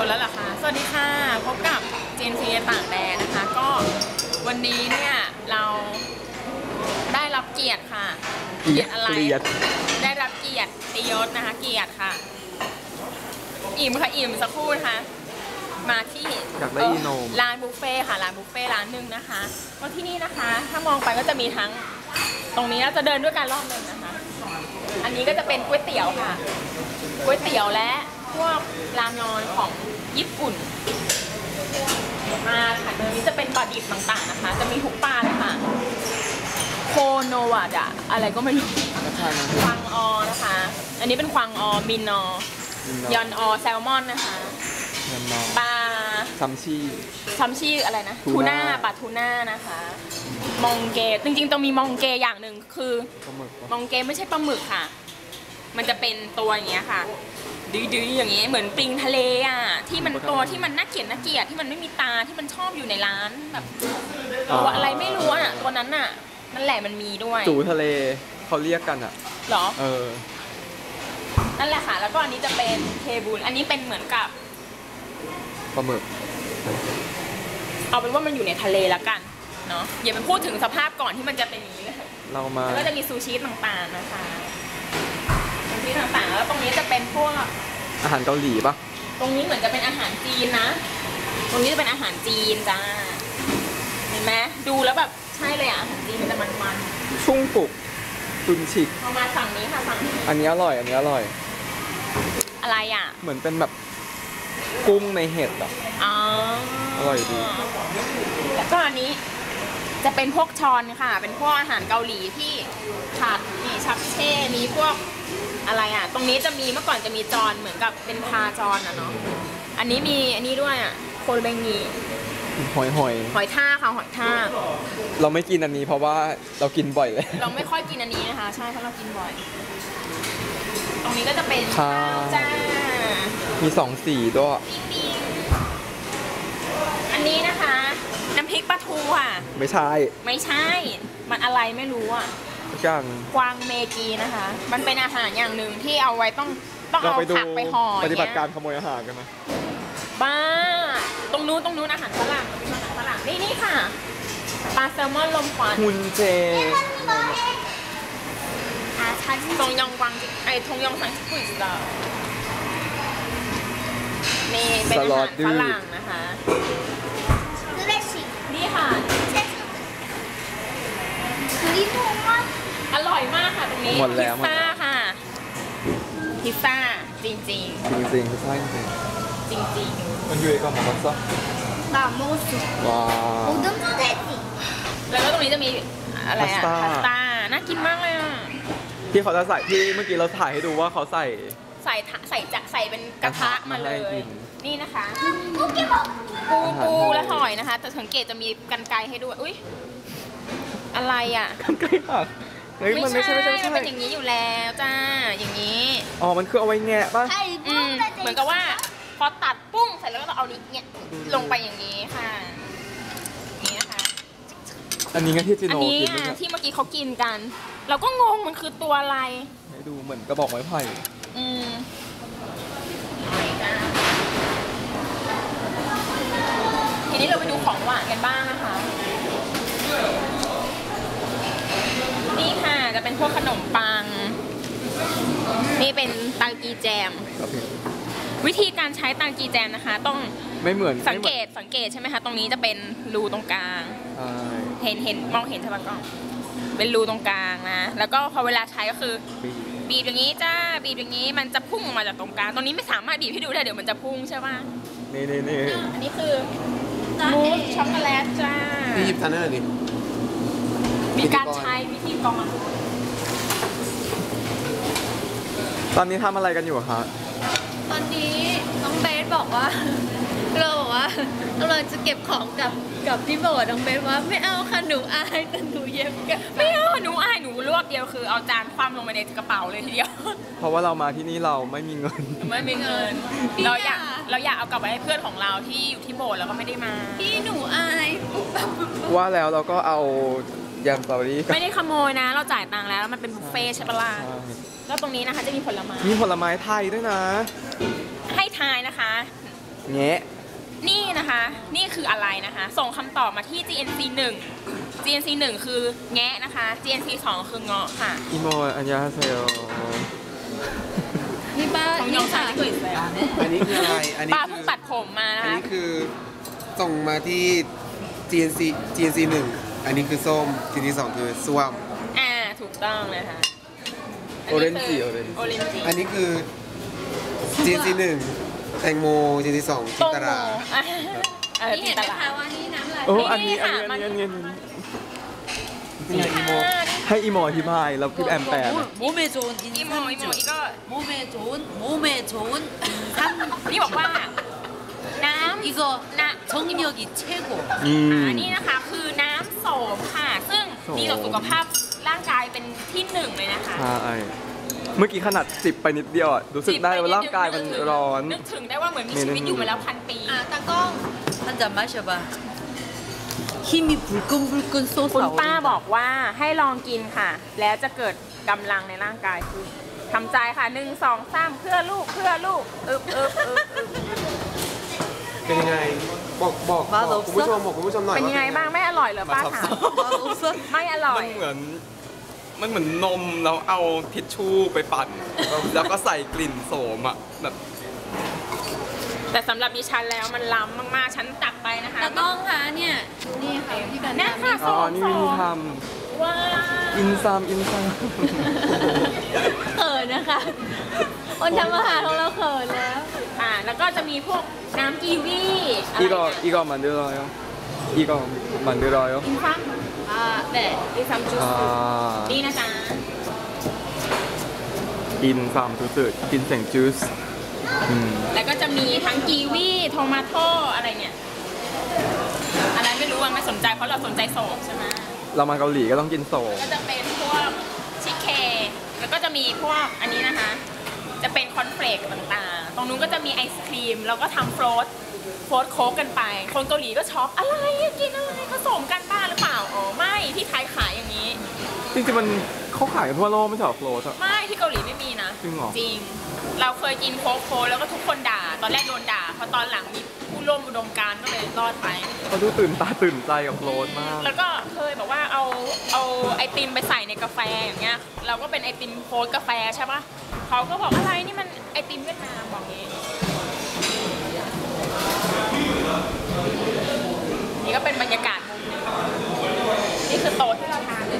ดแล้วเหรอคะสวัสดีค่ะพบกับเจนซีต่างแดนนะคะก็วันนี้เนี่ยเราได้รับเกียรติค่ะเกียรติอะไรได้รับเกียรติตียศนะคะเกียรติค่ะอิ่มค่ะอิ่มสักครู่นะคะมาที่ร้านบุฟเฟ่ค่ะร้านบุฟเฟ่ร้านหนึ่งนะคะก็ที่นี่นะคะถ้ามองไปก็จะมีทั้งตรงนี้เราจะเดินด้วยกันรอบหนึ่งนะคะอันนี้ก็จะเป็นก๋วยเตี๋ยวค่ะก๋วยเตี๋ยวและพวกรามยอนของญี่ปุ่นมาค่ะเนื้อนี้จะเป็นปลาดิบต่างๆนะคะจะมีทุกปลาเลยค่ะโคโนวะดะอะไรก็ไม่รู้ควางออนะคะอันนี้เป็นควางออมินอยอนออแซลมอนนะคะปลาซัมชีอะไรนะทูน่าปลาทูน่านะคะมองเกจริงๆต้องมีมองเกอย่างหนึ่งคือมองเกไม่ใช่ปลาหมึกค่ะมันจะเป็นตัวอย่างเงี้ยค่ะดื้อๆอย่างเงี้ยเหมือนปลิงทะเลอ่ะที่มันตัวที่มันน่าเกลียดที่มันไม่มีตาที่มันชอบอยู่ในร้านแบบตัวอะไรไม่รู้อ่ะตัวนั้นอ่ะนั่นแหละมันมีด้วยจูทะเลเขาเรียกกันอ่ะหรอนั่นแหละค่ะแล้วก็อันนี้จะเป็นเทบูลอันนี้เป็นเหมือนกับปลาหมึกเอาเป็นว่ามันอยู่ในทะเลแล้วกันเนาะอย่าไปพูดถึงสภาพก่อนที่มันจะเป็นอย่างนี้เลยเรามาแล้วก็จะมีซูชิต่างๆนะคะซูชิต่างๆแล้วตรงนี้จะเป็นพวกอาหารเกาหลีปะตรงนี้เหมือนจะเป็นอาหารจีนนะตรงนี้จะเป็นอาหารจีนจ้าเห็นไหมดูแล้วแบบใช่เลยอ่ะอาหารจีนมันจะมันๆชุ่งปุกตุนฉิกเอามาฝั่งนี้ค่ะฝั่งนี้อันนี้อร่อยอะไรอ่ะเหมือนเป็นแบบกุ้งในเห็ดอ่ะอร่อยดีแล้วก็อันนี้จะเป็นพวกชอนค่ะเป็นพวกอาหารเกาหลีที่ผัดมีชักเช่มีพวกอะไรอ่ะตรงนี้จะมีเมื่อก่อนจะมีจอนเหมือนกับเป็นพาจอนอ่ะเนาะอันนี้มีอันนี้ด้วยอ่ะโคเบงีหอยทากค่ะหอยทากเราไม่กินอันนี้เพราะว่าเรากินบ่อยเลยเราไม่ค่อยกินอันนี้นะคะใช่เพราะเรากินบ่อยตรงนี้ก็จะเป็นข้าวจ้ามี2 สีด้วยอันนี้นะคะน้ำพริกปลาทูอ่ะไม่ใช่มันอะไรไม่รู้อ่ะกวางเมกีนะคะมันเป็นอาหารอย่างหนึ่งที่เอาไว้ต้องเอาผักไปห่อปฏิบัติการขโมยอาหารกันไหมบ้าตรงนู้นอาหารฝรั่งนี่ค่ะปลาแซลมอนลมควันฮุนเจทงยองกวางทงยองสังชิกุยสตาร์นี่เป็นอาหารฝรั่งนะคะนี่ค่ะอร่อยมากค่ะตรงนี้พิซซ่าค่ะพิซซ่าจริงพิซซ่าจริงมันอยู่กับหมูสับว้าวแล้วก็ตรงนี้จะมีอะไรอะพาสต้าน่ากินมากเลยอ่ะที่เขาจะใส่ที่เมื่อกี้เราถ่ายให้ดูว่าเขาใส่เป็นกระทะมาเลยนี่นะคะปูและหอยนะคะแต่สังเกตจะมีกรรไกรให้ด้วยอุ้ยอะไรอ่ะกรรไกรหักไม่ใช่มันเป็นอย่างนี้อยู่แล้วจ้าอย่างนี้อ๋อมันคือเอาไว้แงะป่ะเหมือนกับว่าพอตัดปุ้งเสร็จแล้วก็เอานี้เนี่ยลงไปอย่างนี้ค่ะนี่นะคะอันนี้ไงที่จิโนกินที่เมื่อกี้เขากินกันเราก็งงมันคือตัวอะไรให้ดูเหมือนกระบอกไม้ไผ่ทีนี้เราไปดูของหวานกันบ้างนะคะนี่ค่ะจะเป็นพวกขนมปังนี่เป็นตังกีแจมวิธีการใช้ตังกีแจมนะคะต้องไม่เหมือนสังเกตใช่ไหมคะตรงนี้จะเป็นรูตรงกลางเห็นมองเห็นใช่ไหมกล้องเป็นรูตรงกลางนะแล้วก็พอเวลาใช้ก็คือบีบอย่างนี้จ้าบีบอย่างนี้มันจะพุ่งออกมาจากตรงกลางตรงนี้ไม่สามารถบีบให้ดูได้เดี๋ยวมันจะพุ่งใช่ป่ะนี่อันนี้คือมูสช็อกโกแลตจ้านี่หยิบทานได้เลยดิมีการใช้วิธีกรองตอนนี้ทำอะไรกันอยู่คะตอนนี้น้องเบสบอกว่าเราจะเก็บของกับพี่โบน้องเบสว่าไม่เอาค่ะหนูอายแต่หนูเย็บกันไม่เอาหนูอายหนูรวบเดียวคือเอาจานคว่ำลงไปในกระเป๋าเลยทีเดียวเพราะว่าเรามาที่นี่เราไม่มีเงินเราอยากเอากลับไปให้เพื่อนของเราที่อยู่ที่โบสถ์แล้วก็ไม่ได้มาพี่หนูอายว่าแล้วเราก็เอายำสตรอเบอรี่ไม่ได้ขโมยนะเราจ่ายตังค์แล้วมันเป็นบุฟเฟ่ใช่ปะล่ะแล้วตรงนี้นะคะจะมีผลไม้ไทยด้วยนะให้ทายนะคะแงะนี่นะคะ นี่คืออะไรนะคะ ส่งคำตอบมาที่ GNC 1 GNC 1 คือแงะนะคะ GNC 2 คือเงาะค่ะอีโมอันยาเซลนี่ป้าของยนี่องซาค่ะที่เคยใส่อันนี้คืออะไร อันนี้ป้าคืเพิ่งอตัดผมมานะอันคะนี้คือส่งมาที่ GNC 1 อันนี้คือส้ม GNC 2 คือส้วมถูกต้องนะคะโอเรนจิโอเรนโอเรนจิอันนี้คือ GNC 1 แตงโม GNC 2 จิโตนโมตรานี่เห็นไหมคะว่านี่น้ำลายโอ้นี่อันนี้ค่ะอันนี้มันอันนี้นี่อีโมให้อีโมอธิบายแล้วพี่แอมแปลนะ 몸에 좋은 อีโมอีโมอีก็ 몸에 좋은 인삼 นี่บอกว่า น้ำ 이거 นะ 정력이 최고 อืมนี่นะคะคือน้ำโสมค่ะ ซึ่งโสมดีต่อสุขภาพร่างกายเป็นที่หนึ่งเลยนะคะใช่เมื่อกี้ขนาดจิบไปนิดเดียวอะรู้สึกได้ว่าร่างกายมันร้อนนึกถึงได้ว่าเหมือนมีชีวิตอยู่มาแล้ว1,000 ปี 따꽁 한 잔 마셔봐 힘이 불끈불끈 คุณ 솟아오른다 ป้าบอกว่าให้ลองกินค่ะ แล้วจะเกิดกำลังในร่างกายคือทำใจค่ะ1 2 3เพื่อลูกเพื่อลูกอึบเป็นยังไง บอกคุณผู้ชมบอกคุณผู้ชมหน่อยเป็นยังไงบ้างไม่อร่อยเหรอป้าถาม 맛없어? ไม่อร่อยมันเหมือนนมแล้วเอาทิชชู่ไปปั่น แล้วก็ใส่กลิ่นโสมอะแบบแต่สำหรับดิฉันแล้วมันล้ำมากๆ ฉันตักไปนะคะ 따꽁คะเนี่ยนี่ค่ะที่กันเนี่ยค่ะอ๋อ นี่วิธีทว้าำอินซามเขินนะคะคนทำอาหารของเราเขินแล้วแล้วก็จะมีพวกน้ำกีวีอะไร 이거 만들어요. 이거 만들어요. อินซัม 네 อินซัมจูส 아, นี่นะจ๊ะ 인삼 주스, 인생 주스. แล้วก็จะมีทั้งกีวีโทมาโตอะไรเนี่ย อะไรไม่รู้ว่าไม่สนใจเพราะเราสนใจโสมใช่ไหมเรามาเกาหลีก็ต้องกินโสมก็จะเป็นพวกชิคเคแล้วก็จะมีพวกอันนี้นะคะ จะเป็นคอนเฟลกต่างๆ ตรงนู้นก็จะมีไอศครีมแล้วก็ทำโฟลตโค้กกันไป คนเกาหลีก็ช็อกอะไรอะกินอะไรผสมกันบ้าหรือเปล่า อ๋อไม่ที่ไทยขายอย่างนี้จริงๆมันเขาขายกันทั่วโลกไม่ใช่เหรอโฟลตอะไม่ที่เกาหลีไม่มีนะจริงเหรอจริง เราเคยกินโค้กแล้วก็ทุกคนด่า ตอนแรกโดนด่าพอตอนหลังมีผู้ร่วมอุดมการณ์ก็เลยรอดไปเขาดูตื่นตาตื่นใจกับโฟลตมากแล้วก็เคยบอกว่าเอาไอติมไปใส่ในกาแฟอย่างเงี้ย เราก็เป็นไอติมโค้กกาแฟใช่ปะเขาก็บอกอะไรนี่มันไอติมเวียดนามบอกงี้ นี่ก็เป็นบรรยากาศมุมหนึงนี่คือโต๊ะที่เราทานเลย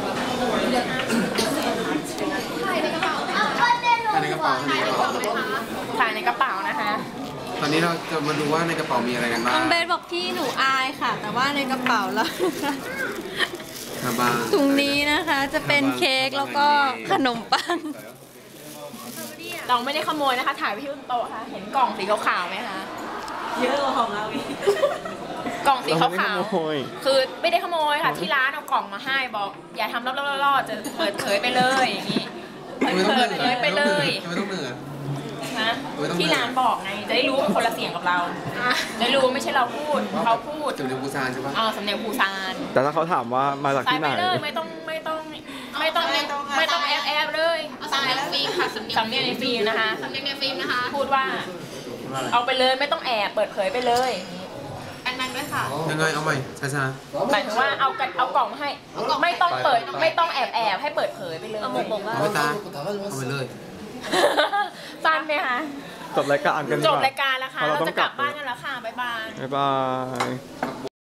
ถ่ายในกระเป๋าถ่ายในกระเป๋าทานในกระเป๋านะคะตอนนี้เราจะมาดูว่าในกระเป๋ามีอะไรกันบ้างน้องเบสบอกพี่หนูอายค่ะ แต่ว่าในกระเป๋าเราครับบ้างถุงนี้นะคะจะเป็นเค้กแล้วก็ขนมปังเราไม่ได้ขโมยนะคะ ถ่ายไว้ที่บนโต๊ะค่ะ เห็นกล่องสีขาวๆไหมคะ เยอะกว่าของเราอีก กล่องสีขาวเราไม่ได้ขโมยๆคือไม่ได้ขโมยค่ะ ที่ร้านเอากล่องมาให้บอก อย่าทำล่อๆๆจะเปิดเผยไปเลยอย่างนี้ไม่ต้องเปิเหดนื่อยเผยไปเลยไม่ต้องเหนื่อยนะไม่ต้องที่ร้านบอกไง จะได้รู้ว่าคนละเสียงกับเราจะได้รู้ว่าไม่ใช่เราพูดเขาพูดจุดเรียนบูซานใช่ปะสำเนียงภูซานแต่ถ้าเขาถามว่ามาจากใส่ที่ไหไปนเลยไม่ต้องแอบเลยสำเนียงในฟิล์มค่ะสำเนียงในฟิล์มนะคะสำเนียงในฟิล์มนะคะ พูดว่า เอาไปเลยไม่ต้องแอบเปิดเผยไปเลยดังๆด้วยค่ะยังไงเอาใหม่ช้าหมายถึงว่าเอากล่องมาให้ไม่ต้องเปิดไม่ต้องแอบให้เปิดเผยไปเลยเอาบอกๆว่าเอาไปตาเอาไปเลยสั้นไหมคะจบรายการกันดีจกบว่ารายการแล้วค่ะเพราะเราเราต้องจะกลับกลับบ้านกันแล้วค่ะบ๊ายบายบ๊ายบาย